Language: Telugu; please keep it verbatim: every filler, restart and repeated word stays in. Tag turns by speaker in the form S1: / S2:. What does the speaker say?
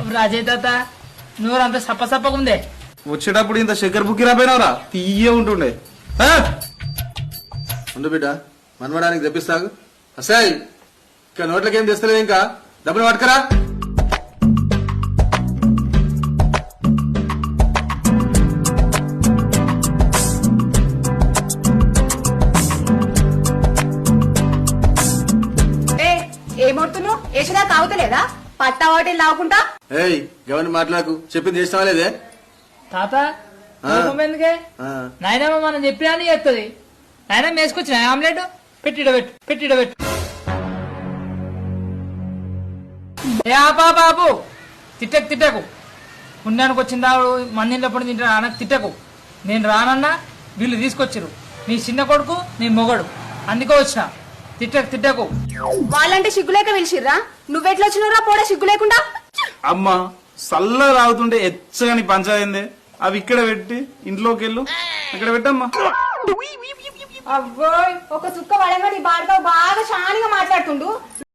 S1: రాజే తాత నూరంతా సప్ప సప్పకుందే.
S2: వచ్చేటప్పుడు ఇంత చక్కెర బుక్కి రాపోయినవరా తీయ ఉంటుండే. ఉండు బిడ్డ మనవడానికి తెప్పిస్తాగు. అసాయ్ ఇంకా నోట్లకేం తెస్తలేదు, ఇంకా డబ్బులు పట్టుకరా.
S3: ఏమవుతున్నావు? యశదా తాగుతలేదా? పట్టా వాటిని లావుకుంటా.
S2: ఏయ్ గవర్ని మాట్లాడకు, చెప్పింది చేసినావా లేదే?
S1: తాత ఎందుకే నాయనమ్మ మనం చెప్పినా చేస్తుంది. నాయనమ్మ వేసుకొచ్చిన ఆమ్లెట్ పెట్టిడ పెట్టు పెట్టిడ పెట్టు. ఏ ఆపా బాబు తిట్టకు తిట్టకు. పుణ్యానికి వచ్చిందా మందింటప్పుడు తింటా అనకు తిట్టకు. నేను రానన్నా వీళ్ళు తీసుకొచ్చిరు. నీ చిన్న కొడుకు నీ మొగడు అందుకో వచ్చిన. తిట్టకు తిట్టకు.
S3: వాళ్ళంటే సిగ్గులేక పిలిచిర్రా? నువ్వెట్లా వచ్చినరా పోడా సిగ్గు లేకుండా?
S2: అమ్మా సల్ల రావుతుంటే ఎచ్చని పంచాయింది. అవి ఇక్కడ పెట్టి ఇంట్లోకి వెళ్ళు, ఇక్కడ పెట్టమ్మా.
S3: అవ్వోయ్ ఒక చుక్క పడంగా నీ బాడతో బాగా షానిగా మాట్లాడుతుండు.